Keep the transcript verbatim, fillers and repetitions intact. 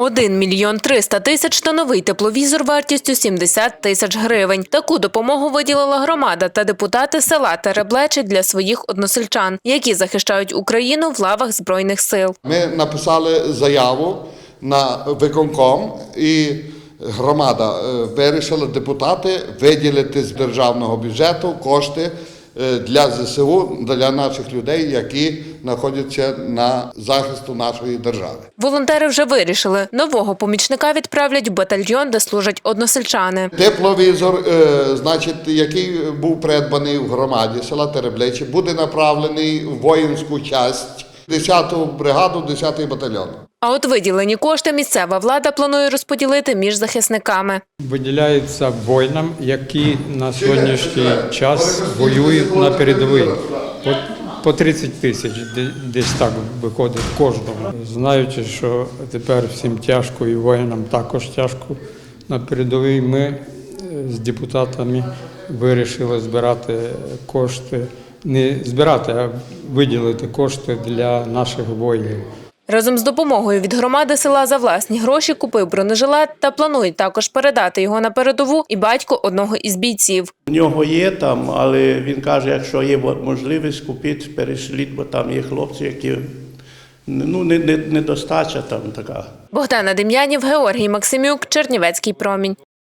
один мільйон триста тисяч та новий тепловізор вартістю сімдесят тисяч гривень. Таку допомогу виділила громада та депутати села Тереблечі для своїх односельчан, які захищають Україну в лавах Збройних сил. Ми написали заяву на виконком і громада вирішила, депутати, виділити з державного бюджету кошти для ЗСУ, для наших людей, які знаходяться на захисту нашої держави. Волонтери вже вирішили, нового помічника відправлять в батальйон, де служать односельчани. Тепловізор, значить, який був придбаний в громаді села Тереблечі, буде направлений в воїнську частину, десяту бригаду, десятий батальйон. А от виділені кошти місцева влада планує розподілити між захисниками. Виділяються воїнам, які на сьогоднішній час воюють на передовій. По тридцять тисяч десь так виходить кожному. Знаючи, що тепер всім тяжко і воїнам також тяжко на передовій, ми з депутатами вирішили збирати кошти, не збирати, а виділити кошти для наших воїнів. Разом з допомогою від громади села за власні гроші купив бронежилет та планують також передати його на передову і батько одного із бійців. У нього є там, але він каже, якщо є можливість купити, перешліть, бо там є хлопці, які ну, не, не, недостача там така. Богдана Дем'янів, Георгій Максимюк, Чернівецький промінь.